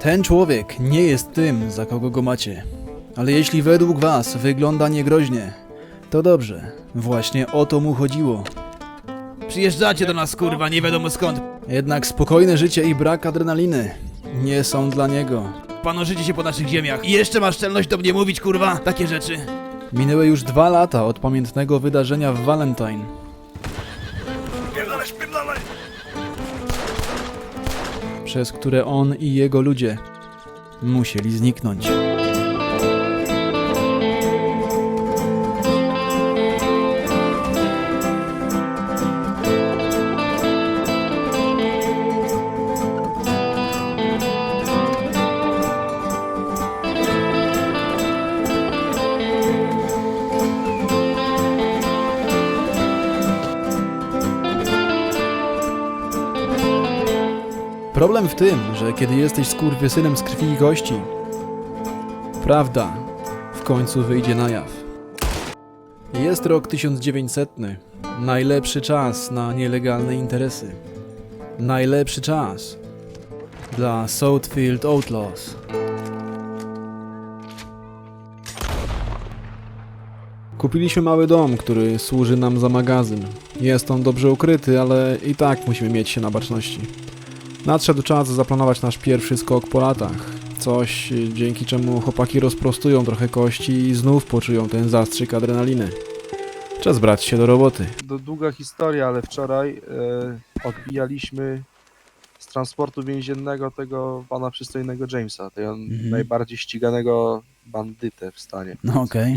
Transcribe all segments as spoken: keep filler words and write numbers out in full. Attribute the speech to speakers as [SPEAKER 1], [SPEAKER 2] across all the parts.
[SPEAKER 1] Ten człowiek nie jest tym, za kogo go macie. Ale jeśli według was wygląda niegroźnie, to dobrze. Właśnie o to mu chodziło. Przyjeżdżacie do nas, kurwa, nie wiadomo skąd. Jednak spokojne życie i brak adrenaliny nie są dla niego. Panoszycie się po naszych ziemiach i jeszcze masz szczelność do mnie mówić, kurwa, takie rzeczy. Minęły już dwa lata od pamiętnego wydarzenia w Valentine.
[SPEAKER 2] Spierdalaj, spierdalaj!
[SPEAKER 1] Przez które on i jego ludzie musieli zniknąć. Problem w tym, że kiedy jesteś skurwysynem z krwi i kości, prawda w końcu wyjdzie na jaw. Jest rok tysiąc dziewięćsetny. Najlepszy czas na nielegalne interesy. Najlepszy czas dla Southfield Outlaws. Kupiliśmy mały dom, który służy nam za magazyn. Jest on dobrze ukryty, ale i tak musimy mieć się na baczności. Nadszedł czas zaplanować nasz pierwszy skok po latach. Coś, dzięki czemu chłopaki rozprostują trochę kości i znów poczują ten zastrzyk adrenaliny. Czas brać się do roboty.
[SPEAKER 3] To długa historia, ale wczoraj e, odbijaliśmy z transportu więziennego tego pana przystojnego Jamesa, tego
[SPEAKER 1] Mhm.
[SPEAKER 3] najbardziej ściganego bandytę w stanie.
[SPEAKER 1] No okej.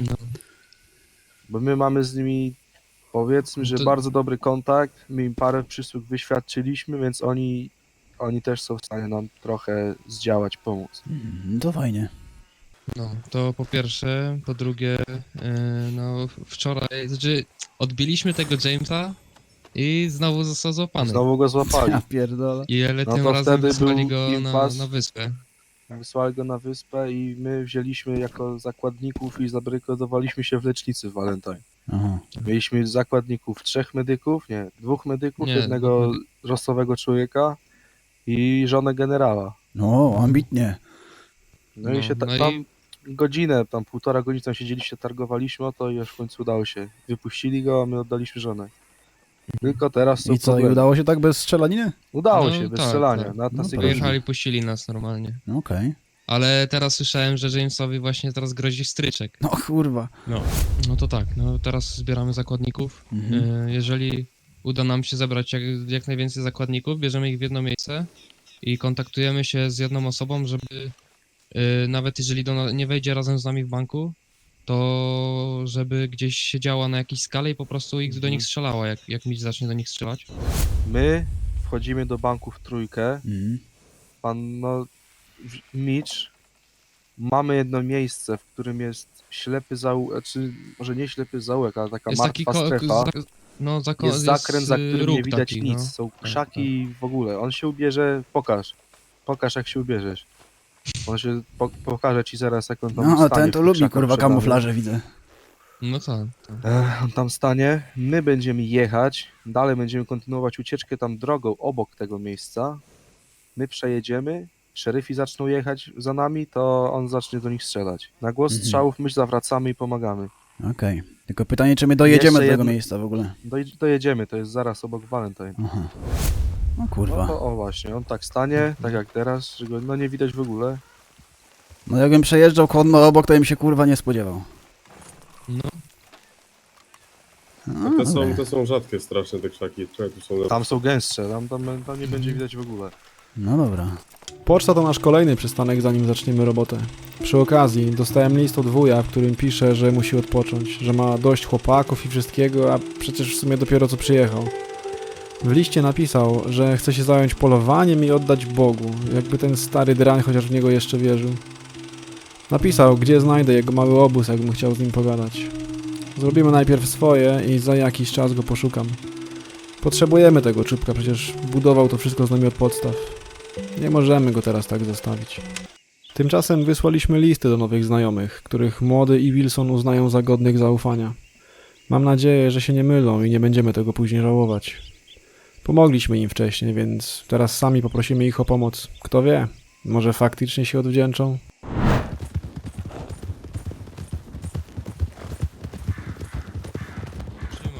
[SPEAKER 3] Bo my mamy z nimi, powiedzmy, że
[SPEAKER 4] To-
[SPEAKER 3] bardzo dobry kontakt, my im parę przysług wyświadczyliśmy, więc oni, oni też są w stanie nam trochę zdziałać, pomóc.
[SPEAKER 1] Mm, to fajnie.
[SPEAKER 4] No, to po pierwsze, po drugie, yy, no wczoraj, znaczy odbiliśmy tego Jamesa i znowu został złapany.
[SPEAKER 3] Znowu go złapali.
[SPEAKER 1] Ja pierdolę.
[SPEAKER 4] I ale
[SPEAKER 3] No
[SPEAKER 4] tym
[SPEAKER 3] to
[SPEAKER 4] razem
[SPEAKER 3] wtedy
[SPEAKER 4] wysłali
[SPEAKER 3] był
[SPEAKER 4] go na,
[SPEAKER 3] impas.
[SPEAKER 4] na wyspę.
[SPEAKER 3] Wysłali go na wyspę i my wzięliśmy jako zakładników i zabrykadowaliśmy się w lecznicy w Valentine.
[SPEAKER 1] Aha.
[SPEAKER 3] Mieliśmy zakładników, trzech medyków, nie, dwóch medyków,
[SPEAKER 4] Nie,
[SPEAKER 3] jednego
[SPEAKER 4] dwóch medy-
[SPEAKER 3] rosowego człowieka i żonę generała.
[SPEAKER 1] No, ambitnie.
[SPEAKER 3] No,
[SPEAKER 4] No,
[SPEAKER 3] i się ta,
[SPEAKER 4] no i-
[SPEAKER 3] tam godzinę, tam półtora godziny tam siedzieliście, targowaliśmy o to i już w końcu udało się. Wypuścili go, a my oddaliśmy żonę. Tylko teraz są
[SPEAKER 1] I co, i
[SPEAKER 3] problemy.
[SPEAKER 1] udało się tak bez strzelaniny?
[SPEAKER 3] Udało
[SPEAKER 4] No,
[SPEAKER 3] się, bez
[SPEAKER 4] tak,
[SPEAKER 3] strzelania.
[SPEAKER 4] tak.
[SPEAKER 3] Na, na
[SPEAKER 1] No,
[SPEAKER 3] sygnał.
[SPEAKER 1] proszę.
[SPEAKER 4] Wyjechali, puścili nas normalnie.
[SPEAKER 1] No okej.
[SPEAKER 4] Ale teraz słyszałem, że Jamesowi właśnie teraz grozi stryczek.
[SPEAKER 1] No kurwa.
[SPEAKER 4] No. No to tak, no teraz zbieramy zakładników.
[SPEAKER 1] Mhm.
[SPEAKER 4] Yy, jeżeli uda nam się zebrać jak, jak najwięcej zakładników, bierzemy ich w jedno miejsce i kontaktujemy się z jedną osobą, żeby yy, nawet jeżeli do, na- nie wejdzie razem z nami w banku, to żeby gdzieś siedziała na jakiejś skale i po prostu ich do
[SPEAKER 3] Mhm.
[SPEAKER 4] nich strzelała, jak, jak mi zacznie do nich strzelać.
[SPEAKER 3] My wchodzimy do banku w trójkę.
[SPEAKER 1] Mhm.
[SPEAKER 3] Pan, no, w- Mitch, mamy jedno miejsce, w którym jest ślepy zaułek, czy może nie ślepy zaułek, ale taka
[SPEAKER 4] Jest taki
[SPEAKER 3] martwa
[SPEAKER 4] ko-
[SPEAKER 3] strefa.
[SPEAKER 4] za, no, zako-
[SPEAKER 3] Jest zakręt, za
[SPEAKER 4] y,
[SPEAKER 3] którym
[SPEAKER 4] róg
[SPEAKER 3] nie widać
[SPEAKER 4] taki,
[SPEAKER 3] nic.
[SPEAKER 4] no.
[SPEAKER 3] Są
[SPEAKER 4] Tak,
[SPEAKER 3] krzaki i w ogóle. On się ubierze, pokaż. Pokaż, jak się ubierzesz. On się po, pokaże ci zaraz, jak on tam
[SPEAKER 1] No,
[SPEAKER 3] stanie
[SPEAKER 1] ten
[SPEAKER 3] w
[SPEAKER 1] to
[SPEAKER 3] tych
[SPEAKER 1] lubi
[SPEAKER 3] krzakach
[SPEAKER 1] kurwa
[SPEAKER 3] przed nami.
[SPEAKER 1] kamuflaże, widzę.
[SPEAKER 4] No tak. tak.
[SPEAKER 3] Ech, on tam stanie, my będziemy jechać, dalej będziemy kontynuować ucieczkę tam drogą obok tego miejsca. My przejedziemy, szeryfi zaczną jechać za nami, to on zacznie do nich strzelać. Na głos
[SPEAKER 1] Mhm.
[SPEAKER 3] strzałów my zawracamy i pomagamy.
[SPEAKER 1] Okej. Tylko pytanie, czy my dojedziemy
[SPEAKER 3] Jeszcze
[SPEAKER 1] do tego
[SPEAKER 3] jedno-
[SPEAKER 1] miejsca w ogóle?
[SPEAKER 3] Doj- dojedziemy, to jest zaraz obok Valentine.
[SPEAKER 1] Aha. No
[SPEAKER 3] No
[SPEAKER 1] kurwa.
[SPEAKER 3] to o właśnie, on tak stanie, tak jak teraz, że go no nie widać w ogóle.
[SPEAKER 1] No jakbym przejeżdżał konno obok, to bym się kurwa nie spodziewał.
[SPEAKER 4] No,
[SPEAKER 1] No,
[SPEAKER 2] To są,
[SPEAKER 1] dobra.
[SPEAKER 2] to są rzadkie straszne te krzaki. Czekaj, tu są...
[SPEAKER 3] Tam są gęstsze, tam, tam, tam nie będzie widać w ogóle.
[SPEAKER 1] No dobra. Poczta to nasz kolejny przystanek, zanim zaczniemy robotę. Przy okazji dostałem list od wuja, w którym pisze, że musi odpocząć, że ma dość chłopaków i wszystkiego, a przecież w sumie dopiero co przyjechał. W liście napisał, że chce się zająć polowaniem i oddać Bogu, jakby ten stary drań chociaż w niego jeszcze wierzył. Napisał, gdzie znajdę jego mały obóz, jakbym chciał z nim pogadać. Zrobimy najpierw swoje i za jakiś czas go poszukam. Potrzebujemy tego czubka, przecież budował to wszystko z nami od podstaw. Nie możemy go teraz tak zostawić. Tymczasem wysłaliśmy listy do nowych znajomych, których Młody i Wilson uznają za godnych zaufania. Mam nadzieję, że się nie mylą i nie będziemy tego później żałować. Pomogliśmy im wcześniej, więc teraz sami poprosimy ich o pomoc. Kto wie, Może faktycznie się odwdzięczą?
[SPEAKER 4] Trzyma.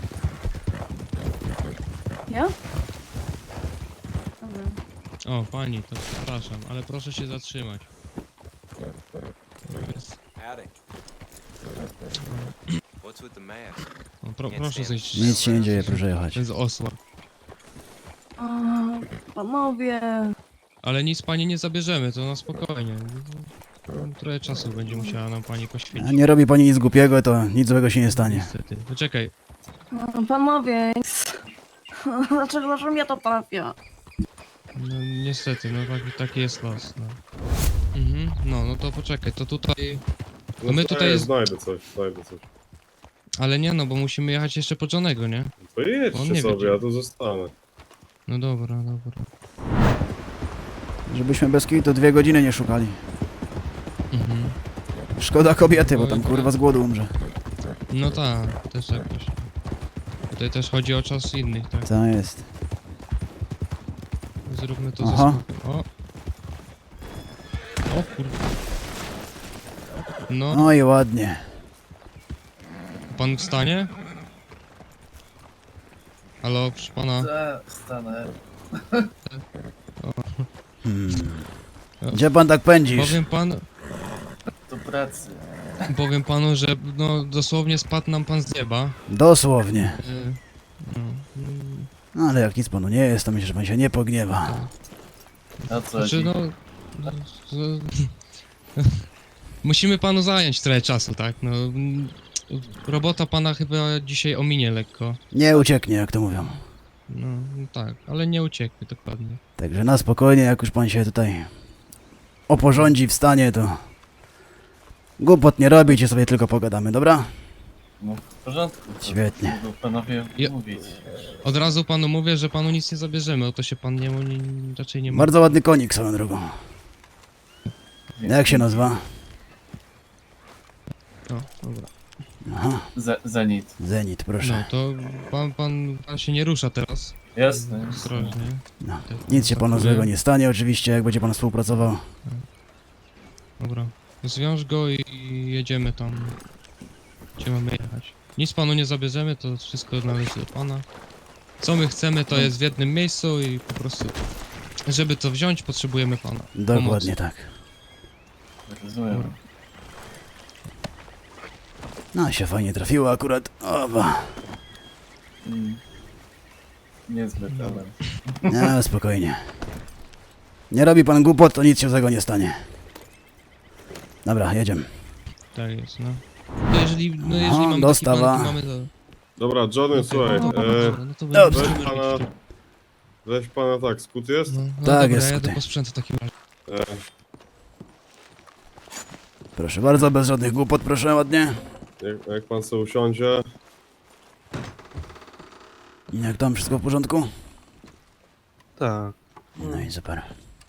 [SPEAKER 5] Ja? Dobra.
[SPEAKER 4] O, pani, to przepraszam, ale proszę się zatrzymać. Jest-
[SPEAKER 6] What's with the mask?
[SPEAKER 4] O, pro, proszę zejść.
[SPEAKER 7] Nic się nie dzieje, proszę jechać.
[SPEAKER 4] To jest osła.
[SPEAKER 5] O, panowie.
[SPEAKER 4] Ale nic pani nie zabierzemy, to na spokojnie. Trochę czasu będzie musiała nam pani
[SPEAKER 7] A
[SPEAKER 4] poświęcić.
[SPEAKER 7] nie robi pani nic głupiego, to nic złego się nie stanie.
[SPEAKER 4] Niestety. Poczekaj,
[SPEAKER 5] O, panowie. Dlaczego, dlaczego mnie to trafia?
[SPEAKER 4] no niestety, no taki, taki jest los. No. Mhm, no, no to poczekaj, to tutaj...
[SPEAKER 2] No
[SPEAKER 4] my
[SPEAKER 2] to
[SPEAKER 4] tutaj
[SPEAKER 2] ja
[SPEAKER 4] jest-
[SPEAKER 2] Znajdę coś, znajdę coś.
[SPEAKER 4] Ale nie no, bo musimy jechać jeszcze po Johnego, nie?
[SPEAKER 2] To
[SPEAKER 4] On
[SPEAKER 2] jedźcie
[SPEAKER 4] nie
[SPEAKER 2] sobie,
[SPEAKER 4] wiedzie.
[SPEAKER 2] ja tu zostanę.
[SPEAKER 4] No dobra, dobra.
[SPEAKER 7] Żebyśmy bez kitu dwie godziny nie szukali.
[SPEAKER 4] Mhm.
[SPEAKER 7] Szkoda kobiety, bo tam kurwa z głodu umrze.
[SPEAKER 4] No tak, też jakoś. Tutaj też chodzi o czas innych, tak?
[SPEAKER 7] Co jest?
[SPEAKER 4] Zróbmy to
[SPEAKER 7] Aha.
[SPEAKER 4] ze spokój. O! O kurde. No,
[SPEAKER 7] No i ładnie.
[SPEAKER 4] pan wstanie? Halo, proszę pana.
[SPEAKER 8] Stanę.
[SPEAKER 7] Hmm. Gdzie pan tak pędzisz?
[SPEAKER 4] Powiem pan,
[SPEAKER 8] Do pracy.
[SPEAKER 4] powiem panu, że no dosłownie spadł nam pan z nieba.
[SPEAKER 7] Dosłownie.
[SPEAKER 4] Y, No, y,
[SPEAKER 7] No ale jak nic panu nie jest, to myślę, że pan się nie pogniewa.
[SPEAKER 8] A co?
[SPEAKER 4] znaczy no... no, z- Musimy panu zająć trochę czasu, tak? No, mm, robota pana chyba dzisiaj ominie lekko.
[SPEAKER 7] Nie ucieknie, jak to mówią.
[SPEAKER 4] No, no tak, ale nie ucieknie dokładnie.
[SPEAKER 7] Także na spokojnie, jak już pan się tutaj oporządzi, wstanie, to głupot nie robić i sobie tylko pogadamy, dobra?
[SPEAKER 8] No w porządku. To
[SPEAKER 7] Świetnie.
[SPEAKER 8] mogą panowie
[SPEAKER 4] Ja-
[SPEAKER 8] mówić.
[SPEAKER 4] Od razu panu mówię, że panu nic nie zabierzemy, o to się pan nie, nie raczej nie ma.
[SPEAKER 7] Bardzo ładny konik swoją drogą. Jak się nazywa?
[SPEAKER 4] No, dobra.
[SPEAKER 7] Aha,
[SPEAKER 8] Ze- Zenit.
[SPEAKER 7] Zenit,
[SPEAKER 4] No
[SPEAKER 7] proszę.
[SPEAKER 4] to pan, pan, pan się nie rusza teraz.
[SPEAKER 8] Jasne. jasne.
[SPEAKER 4] Ostrożnie.
[SPEAKER 7] No.
[SPEAKER 4] Tak,
[SPEAKER 7] Nic się panu
[SPEAKER 4] dziękuję.
[SPEAKER 7] złego nie stanie, oczywiście, jak będzie pan współpracował.
[SPEAKER 4] Dobra. Zwiąż go i jedziemy tam, gdzie mamy jechać. Nic panu nie zabierzemy, to wszystko należy do pana. Co my chcemy, to jest w jednym miejscu i po prostu, żeby to wziąć, potrzebujemy pana.
[SPEAKER 7] Dokładnie tak.
[SPEAKER 8] Rozumiem.
[SPEAKER 7] No, się fajnie trafiło akurat. Oba.
[SPEAKER 8] Mm. Niezbyt, ale...
[SPEAKER 7] No, spokojnie. Nie robi pan głupot, to nic się złego nie stanie. Dobra, jedziemy.
[SPEAKER 4] Tak jest, no. To jeżeli, no jeżeli
[SPEAKER 7] Aha,
[SPEAKER 4] mamy
[SPEAKER 7] dostawa.
[SPEAKER 4] taki plan, to mamy to...
[SPEAKER 2] Dobra, Johnny, słuchaj,
[SPEAKER 4] no,
[SPEAKER 2] e,
[SPEAKER 4] dobra, no to
[SPEAKER 7] Dobrze.
[SPEAKER 4] będziemy
[SPEAKER 2] weź pana,
[SPEAKER 4] robić.
[SPEAKER 2] weź pana tak, skut jest?
[SPEAKER 4] No, no
[SPEAKER 7] Tak,
[SPEAKER 4] dobra,
[SPEAKER 7] jest
[SPEAKER 4] ja jadę
[SPEAKER 7] tutaj.
[SPEAKER 4] po sprzęt w takim razie.
[SPEAKER 2] E,
[SPEAKER 7] Proszę bardzo, bez żadnych głupot, proszę ładnie.
[SPEAKER 2] jak, jak pan sobie usiądzie,
[SPEAKER 7] Jak tam, wszystko w porządku?
[SPEAKER 3] Tak.
[SPEAKER 7] No i super.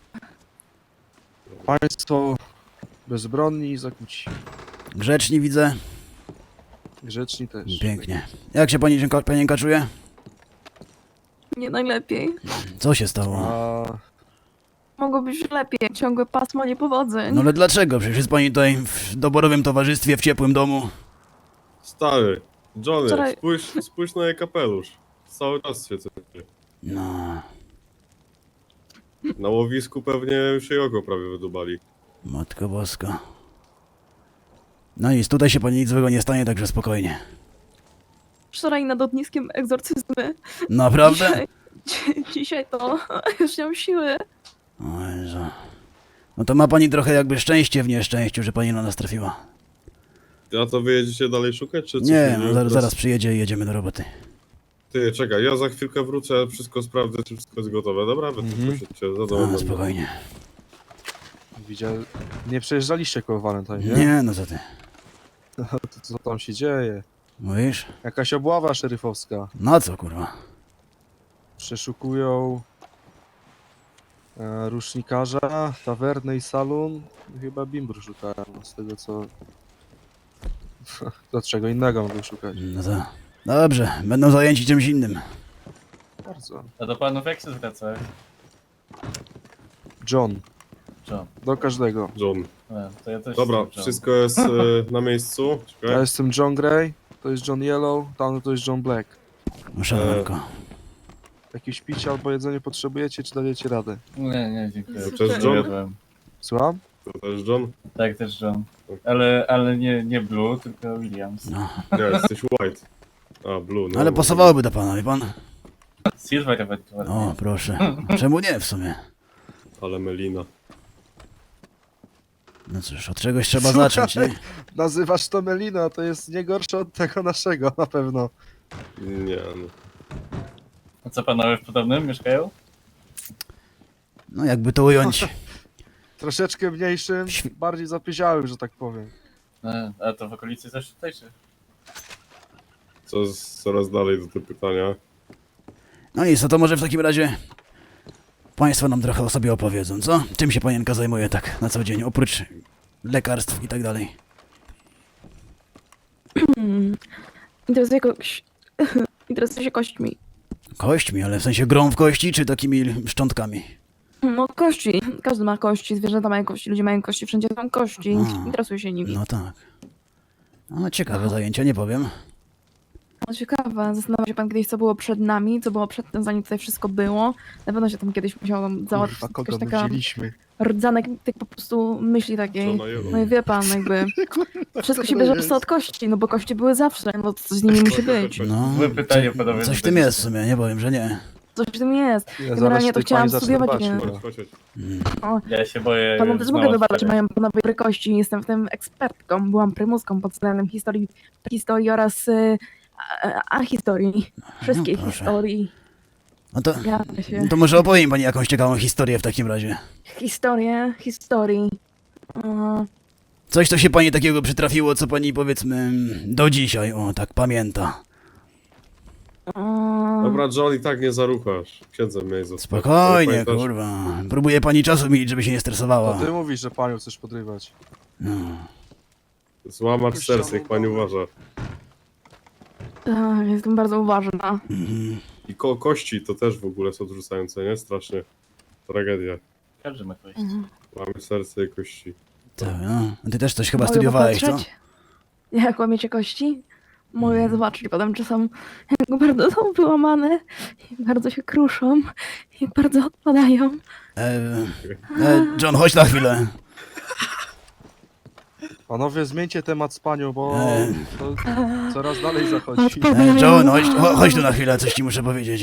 [SPEAKER 3] Państwo bezbronni i zakłóci.
[SPEAKER 7] Grzeczni widzę.
[SPEAKER 3] Grzeczni też.
[SPEAKER 7] Pięknie. Jak się pani Dzienko- panienka czuje?
[SPEAKER 5] Nie najlepiej.
[SPEAKER 7] Co się stało?
[SPEAKER 3] A
[SPEAKER 5] Mogło być lepiej. Ciągłe pasmo niepowodzeń.
[SPEAKER 7] No ale dlaczego? Przecież jest pani tutaj w doborowym towarzystwie, w ciepłym domu.
[SPEAKER 2] stary, Johnny,
[SPEAKER 5] Wczoraj-
[SPEAKER 2] spójrz, spójrz na jej kapelusz. Cały czas się coś.
[SPEAKER 7] No,
[SPEAKER 2] Na łowisku pewnie już jej oko prawie wydubali.
[SPEAKER 7] Matko Boska. No nic, tutaj się pani nic złego nie stanie, także spokojnie.
[SPEAKER 5] Wczoraj nad ogniskiem egzorcyzmy.
[SPEAKER 7] Naprawdę?
[SPEAKER 5] Dzisiaj, dzi- dzisiaj to już nie mam siły.
[SPEAKER 7] O Jezu. No to ma pani trochę jakby szczęście w nieszczęściu, że pani na nas trafiła.
[SPEAKER 2] A to wy jedziecie dalej szukać, czy co?
[SPEAKER 7] Nie, no zaraz, zaraz przyjedzie i jedziemy do roboty.
[SPEAKER 2] Ty, czekaj, ja za chwilkę wrócę, wszystko sprawdzę, czy wszystko jest gotowe, dobra? Wy
[SPEAKER 3] Mhm.
[SPEAKER 2] tylko siedźcie, za domem
[SPEAKER 7] No,
[SPEAKER 2] będę.
[SPEAKER 7] spokojnie.
[SPEAKER 3] widział... Nie przejeżdżaliście koło Valentine, nie?
[SPEAKER 7] Nie, no co ty.
[SPEAKER 3] To, co tam się dzieje?
[SPEAKER 7] Mówisz?
[SPEAKER 3] Jakaś obława szeryfowska.
[SPEAKER 7] No co kurwa?
[SPEAKER 3] Przeszukują e, rusznikarza, tawernę i salon. Chyba bimbru szukają, z tego co... Do czego innego mogą szukać.
[SPEAKER 7] No to... Dobrze, będą zajęci czymś innym.
[SPEAKER 3] Bardzo.
[SPEAKER 8] A do panów jak się zwracać?
[SPEAKER 3] John.
[SPEAKER 8] John.
[SPEAKER 3] Do każdego.
[SPEAKER 2] John.
[SPEAKER 8] E, to ja też
[SPEAKER 2] Dobra,
[SPEAKER 8] jestem John.
[SPEAKER 2] wszystko jest e, na miejscu.
[SPEAKER 3] Ja
[SPEAKER 2] Czekaj.
[SPEAKER 3] jestem John Grey, to jest John Yellow, tam to jest John Black.
[SPEAKER 7] Szanowko.
[SPEAKER 3] Jakieś picie albo jedzenie potrzebujecie, czy dajecie radę?
[SPEAKER 8] Nie, nie, dziękuję.
[SPEAKER 2] To też John?
[SPEAKER 8] Jadłem.
[SPEAKER 3] Słucham?
[SPEAKER 2] To też John?
[SPEAKER 8] Tak, też John. Ale, ale nie, nie Blue, tylko Williams.
[SPEAKER 7] No.
[SPEAKER 2] Nie, jesteś White. A, Blue, no.
[SPEAKER 7] Ale pasowałoby do pana, wie pan?
[SPEAKER 8] Silver ewentualnie.
[SPEAKER 7] O, proszę. Czemu nie w sumie?
[SPEAKER 2] Ale Melina.
[SPEAKER 7] No cóż, od czegoś trzeba zacząć, nie?
[SPEAKER 3] Nazywasz to Melina, to jest nie gorsze od tego naszego, na pewno.
[SPEAKER 2] Nie, no.
[SPEAKER 8] A co panowie w podobnym mieszkają?
[SPEAKER 7] No jakby to ująć.
[SPEAKER 3] Troszeczkę mniejszym,
[SPEAKER 7] Świ-
[SPEAKER 3] bardziej zapyziałym, że tak powiem.
[SPEAKER 8] E, a to w okolicy też tutaj, czy?
[SPEAKER 2] Co z, coraz dalej do tego pytania.
[SPEAKER 7] No nic, no to może w takim razie państwo nam trochę o sobie opowiedzą, co? Czym się panienka zajmuje tak na co dzień, oprócz lekarstw i tak dalej?
[SPEAKER 5] Hmm. Interesuje kogoś... Interesuje się kośćmi.
[SPEAKER 7] Kośćmi, ale w sensie grą w kości, czy takimi szczątkami?
[SPEAKER 5] No kości. Każdy ma kości, zwierzęta mają kości, ludzie mają kości, wszędzie są kości.
[SPEAKER 7] A.
[SPEAKER 5] Interesuje się nimi.
[SPEAKER 7] No tak. No ciekawe zajęcia, nie powiem.
[SPEAKER 5] No ciekawe, zastanawiał się pan kiedyś, co było przed nami, co było przed tym, zanim tutaj wszystko było. Na pewno się tam kiedyś musiał załatwić
[SPEAKER 3] Kurwa, kogo
[SPEAKER 5] jakaś
[SPEAKER 3] my
[SPEAKER 5] taka
[SPEAKER 3] wzięliśmy?
[SPEAKER 5] rdzanek tych po prostu myśli takiej.
[SPEAKER 2] Johna Yellow.
[SPEAKER 5] No i wie pan, jakby wszystko się bierze po prostu od kości, no bo kości były zawsze, no to coś z nimi musi być.
[SPEAKER 7] No,
[SPEAKER 8] Złe pytanie,
[SPEAKER 7] co-
[SPEAKER 8] panowie,
[SPEAKER 7] coś w
[SPEAKER 8] tutaj
[SPEAKER 7] tym jest w
[SPEAKER 8] jest.
[SPEAKER 7] sumie, nie powiem, że nie.
[SPEAKER 5] Coś w tym jest.
[SPEAKER 3] Ja zaraz
[SPEAKER 5] Generalnie to
[SPEAKER 3] tej
[SPEAKER 5] chciałam
[SPEAKER 3] pani zacznę
[SPEAKER 5] studiować,
[SPEAKER 3] dbać,
[SPEAKER 5] nie?
[SPEAKER 3] kurwa.
[SPEAKER 2] Chodź, chodź, chodź.
[SPEAKER 7] Mm.
[SPEAKER 8] Ja się boję...
[SPEAKER 5] Panom też
[SPEAKER 8] z
[SPEAKER 5] mogę
[SPEAKER 8] małą
[SPEAKER 5] wybaczyć,
[SPEAKER 8] sferę.
[SPEAKER 5] mają panowie dobre kości, jestem w tym ekspertką, byłam prymuską pod względem historii, historii oraz y, a, a historii, wszystkich
[SPEAKER 7] No, proszę.
[SPEAKER 5] historii.
[SPEAKER 7] No to,
[SPEAKER 5] Ja się.
[SPEAKER 7] to może opowie mi pani jakąś ciekawą historię w takim razie.
[SPEAKER 5] Historię, historii. O,
[SPEAKER 7] Coś, co się pani takiego przytrafiło, co pani powiedzmy do dzisiaj, o tak pamięta.
[SPEAKER 5] o,
[SPEAKER 2] Dobra, John, i tak nie zaruchasz. Księdzem miałeś zostać.
[SPEAKER 7] Spokojnie,
[SPEAKER 2] Pamiętasz?
[SPEAKER 7] kurwa. Próbuje pani czasu mieć, żeby się nie
[SPEAKER 3] To
[SPEAKER 7] stresowała.
[SPEAKER 3] ty mówisz, że panią chcesz podrywać.
[SPEAKER 7] No.
[SPEAKER 2] Złamacz serca, niech pani uważa.
[SPEAKER 5] tak, jestem bardzo uważna.
[SPEAKER 7] Mhm.
[SPEAKER 2] I ko kości to też w ogóle są odrzucające, nie? Strasznie. Tragedia.
[SPEAKER 8] Każdy ma kość.
[SPEAKER 5] Mhm.
[SPEAKER 2] Mamy serce i kości.
[SPEAKER 7] Tak, no. A ty też coś chyba
[SPEAKER 5] Mogę
[SPEAKER 7] studiowałeś, co?
[SPEAKER 5] popatrzeć? Jak łamiecie kości? Mogę zobaczyć potem czasem, jak bardzo są wyłamane, jak bardzo się kruszą, jak bardzo odpadają.
[SPEAKER 7] E, e, John, chodź na chwilę.
[SPEAKER 3] Panowie, zmieńcie temat z panią, bo
[SPEAKER 7] Eee.
[SPEAKER 3] to coraz dalej zachodzi.
[SPEAKER 5] Odpadają.
[SPEAKER 7] E, John, chodź, cho- chodź tu na chwilę, coś ci muszę powiedzieć.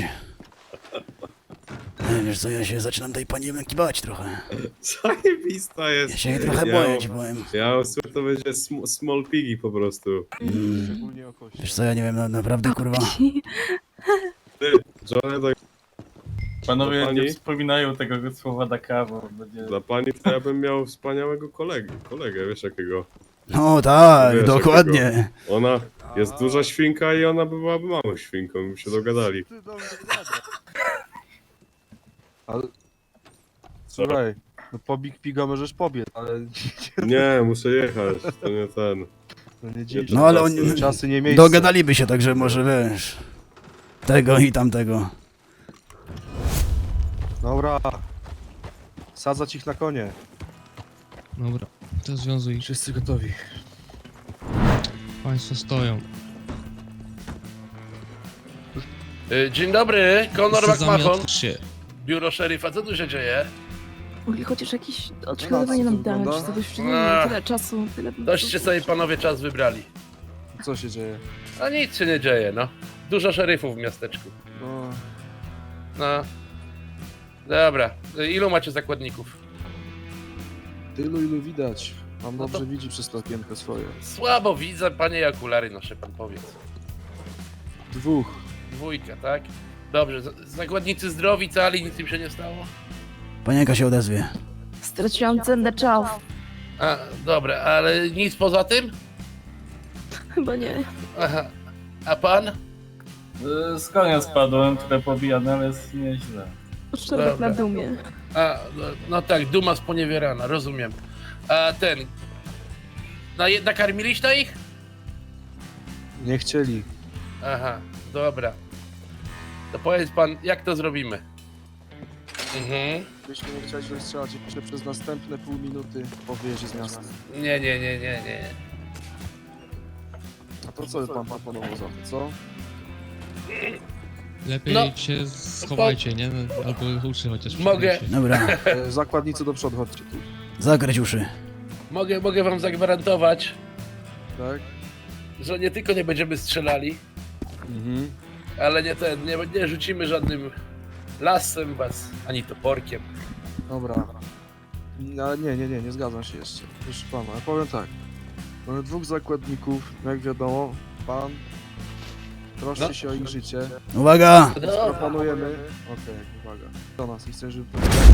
[SPEAKER 7] E, wiesz co, ja się zaczynam tej pani Elenki bać trochę.
[SPEAKER 2] Zajebista jest.
[SPEAKER 7] Ja się jej trochę
[SPEAKER 2] ja,
[SPEAKER 7] boję, ci powiem.
[SPEAKER 2] Ja słuchaj, to będzie sm small piggy po prostu.
[SPEAKER 7] Mm.
[SPEAKER 3] Szczególnie o kości.
[SPEAKER 7] Wiesz co, ja nie wiem, na, naprawdę, kurwa.
[SPEAKER 2] Ty, John, tak
[SPEAKER 8] Panowie
[SPEAKER 2] Pani?
[SPEAKER 8] nie wspominają tego słowa Daka, bo będzie...
[SPEAKER 2] dla pani to ja bym miał wspaniałego kolegę, kolegę, wiesz jakiego.
[SPEAKER 7] No tak,
[SPEAKER 2] Wiesz,
[SPEAKER 7] dokładnie.
[SPEAKER 2] Ona jest duża świnka i ona byłaby małą świnką, by się dogadali.
[SPEAKER 3] Ty do mnie gadasz. Ale... Słuchaj, no po Big Piga możesz pobiec, ale
[SPEAKER 2] Nie, muszę jechać, to nie ten.
[SPEAKER 3] no nie dziś.
[SPEAKER 7] No ale oni
[SPEAKER 3] Czasy nie miejsce.
[SPEAKER 7] dogadaliby się, także może wiesz. Tego i tamtego.
[SPEAKER 3] Dobra. Sadzać ich na konie.
[SPEAKER 4] Dobra, to związuj.
[SPEAKER 3] Wszyscy gotowi.
[SPEAKER 4] Państwo stoją.
[SPEAKER 9] Y, Dzień dobry, Conor
[SPEAKER 4] Wszyscy
[SPEAKER 9] McMahon,
[SPEAKER 4] zamiotcz się.
[SPEAKER 9] biuro szeryfa, co tu się dzieje?
[SPEAKER 5] Mogli chociaż jakieś odszkodowanie nam dać,
[SPEAKER 3] wygląda?
[SPEAKER 5] co byś
[SPEAKER 9] Ach.
[SPEAKER 5] tyle czasu, tyle...
[SPEAKER 9] Doście sobie panowie czas wybrali.
[SPEAKER 3] Co się dzieje?
[SPEAKER 9] A nic się nie dzieje, no. Dużo szeryfów w miasteczku.
[SPEAKER 3] No,
[SPEAKER 9] No. Dobra, y, ilu macie zakładników?
[SPEAKER 3] tylu ilu widać. Pan
[SPEAKER 9] No to-
[SPEAKER 3] dobrze widzi przez to okienko swoje.
[SPEAKER 9] Słabo widzę, panie i okulary noszę, pan powiedz.
[SPEAKER 3] Dwóch.
[SPEAKER 9] Dwójka, tak? Dobrze, z- zakładnicy zdrowi, cali, nic im się nie stało?
[SPEAKER 7] Panienka się odezwie.
[SPEAKER 5] Straciłam cenny czas.
[SPEAKER 9] A, dobra, ale nic poza tym?
[SPEAKER 5] Chyba nie.
[SPEAKER 9] Aha. A pan?
[SPEAKER 8] Y, Z konia spadłem, trochę pobijany, ale jest nieźle.
[SPEAKER 5] Szczerbek
[SPEAKER 9] Dobra.
[SPEAKER 5] na dumie.
[SPEAKER 9] A, no, no tak, duma sponiewierana, rozumiem. A ten... Na, nakarmiliście ich?
[SPEAKER 3] Nie chcieli.
[SPEAKER 9] Aha, dobra. To powiedz pan, jak to zrobimy? Mhm.
[SPEAKER 3] Jeśli nie chciałeś rozstrzelać jeszcze przez następne pół minuty po wyjeździe z miasta.
[SPEAKER 9] Nie, nie, nie, nie, nie.
[SPEAKER 3] A to co pan proponował za to, co?
[SPEAKER 4] Lepiej
[SPEAKER 9] No.
[SPEAKER 4] się schowajcie, nie? Albo uszy chociaż
[SPEAKER 9] Mogę.
[SPEAKER 4] przykryjcie.
[SPEAKER 7] Dobra,
[SPEAKER 3] E, zakładnicy do przodu, chodźcie tu.
[SPEAKER 7] zakryć uszy.
[SPEAKER 9] Mogę, mogę wam zagwarantować,
[SPEAKER 3] Tak?
[SPEAKER 9] że nie tylko nie będziemy strzelali,
[SPEAKER 3] Mhm.
[SPEAKER 9] ale nie ten, nie, nie rzucimy żadnym lasem was, ani toporkiem.
[SPEAKER 3] Dobra. Ale nie, nie, nie, nie zgadzam się jeszcze. Proszę pana, ja powiem tak. Mamy dwóch zakładników, jak wiadomo, pan troszczy
[SPEAKER 9] No.
[SPEAKER 3] się o ich życie.
[SPEAKER 7] Uwaga!
[SPEAKER 3] Proponujemy. Okej, uwaga. Do nas i chcę, żeby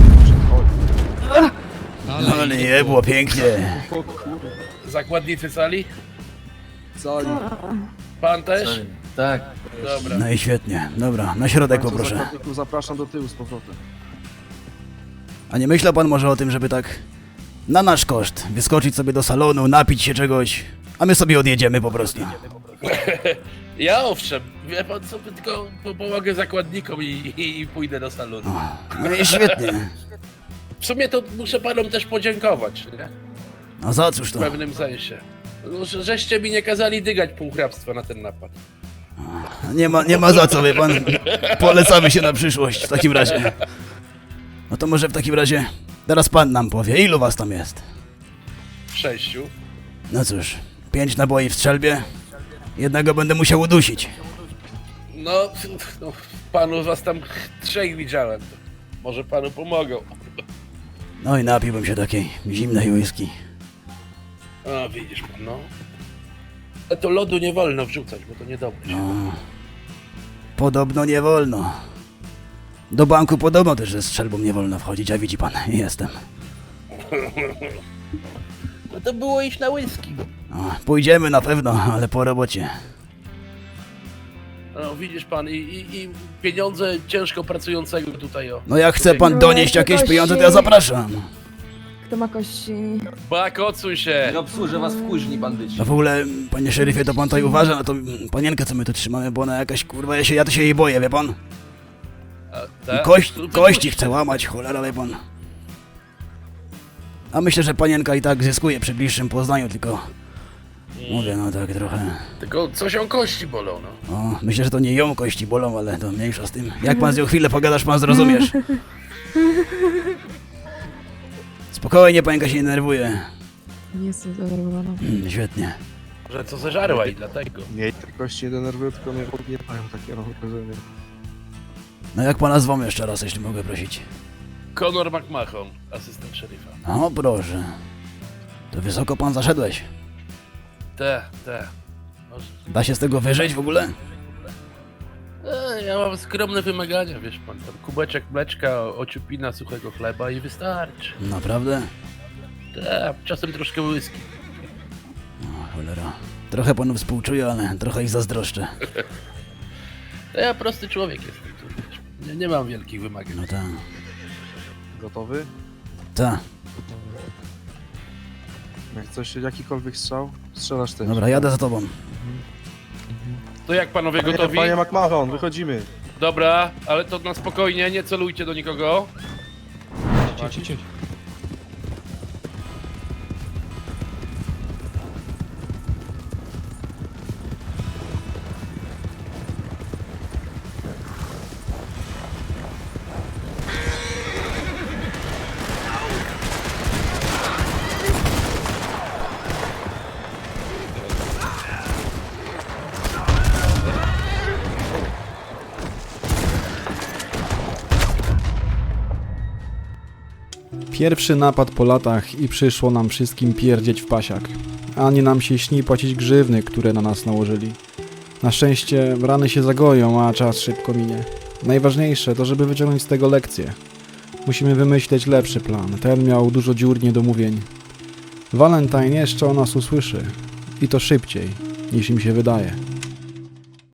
[SPEAKER 4] Ale,
[SPEAKER 7] Ale nie, było pięknie.
[SPEAKER 9] Zakładnicy sali?
[SPEAKER 3] cali.
[SPEAKER 9] Pan też?
[SPEAKER 8] Tak.
[SPEAKER 9] Dobra.
[SPEAKER 7] No i świetnie. Dobra, na środek poproszę.
[SPEAKER 3] Zakładników zapraszam do tyłu z powrotem.
[SPEAKER 7] A nie myślał pan może o tym, żeby tak na nasz koszt wyskoczyć sobie do salonu, napić się czegoś, a my sobie odjedziemy po prostu.
[SPEAKER 9] Ja owszem, wie pan co, tylko po- pomogę zakładnikom i, i, i pójdę do salonu.
[SPEAKER 7] No i świetnie.
[SPEAKER 9] W sumie to muszę panom też podziękować, nie?
[SPEAKER 7] A za cóż
[SPEAKER 9] W
[SPEAKER 7] to?
[SPEAKER 9] pewnym sensie. No, że- żeście mi nie kazali dygać półhrabstwa na ten napad.
[SPEAKER 7] Nie ma, nie ma za co, wie pan. Polecamy się na przyszłość w takim razie. No to może w takim razie teraz pan nam powie, ilu was tam jest?
[SPEAKER 9] W sześciu.
[SPEAKER 7] No cóż, pięć naboi w strzelbie. Jednego będę musiał udusić.
[SPEAKER 9] No, no panu was tam trzech widziałem. To może panu pomogą.
[SPEAKER 7] No i napiłbym się takiej zimnej whisky.
[SPEAKER 9] A widzisz pan, no. Ale to lodu nie wolno wrzucać, bo to niedobre.
[SPEAKER 7] No. Podobno nie wolno. Do banku podobno też ze strzelbą nie wolno wchodzić, a widzi pan, jestem.
[SPEAKER 9] No to było iść na whisky.
[SPEAKER 7] O, pójdziemy na pewno, ale po robocie.
[SPEAKER 9] No widzisz pan, i, i, i pieniądze ciężko pracującego tutaj o.
[SPEAKER 7] No jak chce pan donieść jakieś pieniądze, to ja zapraszam.
[SPEAKER 5] Kto ma kości?
[SPEAKER 9] Bak, odsuń się!
[SPEAKER 8] Nie obsłużę was w kuźni, bandyci.
[SPEAKER 7] No w ogóle, panie szeryfie, to pan tutaj uważa na tą mm, panienkę, co my tu trzymamy, bo ona jakaś, kurwa, ja się, ja to się jej boję, wie pan?
[SPEAKER 9] A,
[SPEAKER 7] I
[SPEAKER 9] tak?
[SPEAKER 7] kość,
[SPEAKER 9] To- to-
[SPEAKER 7] kości chce łamać, cholera, wie pan. A myślę, że panienka i tak zyskuje przy bliższym poznaniu, tylko... Mówię, no tak trochę...
[SPEAKER 9] Tylko coś o kości bolą, no.
[SPEAKER 7] O, myślę, że to nie ją kości bolą, ale to mniejsza z tym. Jak pan z nią chwilę pogadasz, pan zrozumiesz. Spokojnie, panienka się nie nerwuje.
[SPEAKER 5] Nie jestem zdenerwowana.
[SPEAKER 7] Mm, świetnie.
[SPEAKER 9] Że co zeżarła i dlatego.
[SPEAKER 3] Nie, te kości nie denerwują, tylko mnie podniecają, takie mam wrażenie.
[SPEAKER 7] No jak pana zwą jeszcze raz, jeśli mogę prosić.
[SPEAKER 9] Conor McMahon, asystent szeryfa.
[SPEAKER 7] O, proszę. To wysoko pan zaszedłeś.
[SPEAKER 9] Te, te. Może.
[SPEAKER 7] Da się z tego wyżyć w ogóle?
[SPEAKER 9] E, ja mam skromne wymagania, wiesz pan. Tam kubeczek mleczka, ociupina suchego chleba i wystarczy.
[SPEAKER 7] Naprawdę?
[SPEAKER 9] Te, czasem troszkę whisky.
[SPEAKER 7] O, cholera. Trochę panu współczuję, ale trochę ich zazdroszczę.
[SPEAKER 9] To ja prosty człowiek jestem. Tu, wiesz. Nie, nie mam wielkich wymagań.
[SPEAKER 7] No tak.
[SPEAKER 3] Gotowy?
[SPEAKER 7] Ta.
[SPEAKER 3] Jak coś, jakikolwiek strzał, strzelasz ty.
[SPEAKER 7] Dobra, jadę za tobą.
[SPEAKER 9] To jak panowie
[SPEAKER 3] Panie,
[SPEAKER 9] gotowi?
[SPEAKER 3] panie McMahon, wychodzimy.
[SPEAKER 9] Dobra, ale to na spokojnie, nie celujcie do nikogo.
[SPEAKER 4] Cię, cię, cię.
[SPEAKER 1] Pierwszy napad po latach i przyszło nam wszystkim pierdzieć w pasiak. Ani nam się śni płacić grzywny, które na nas nałożyli. Na szczęście rany się zagoją, a czas szybko minie. Najważniejsze to, żeby wyciągnąć z tego lekcję. Musimy wymyśleć lepszy plan. Ten miał dużo dziur niedomówień. Valentine jeszcze o nas usłyszy. I to szybciej, niż im się wydaje.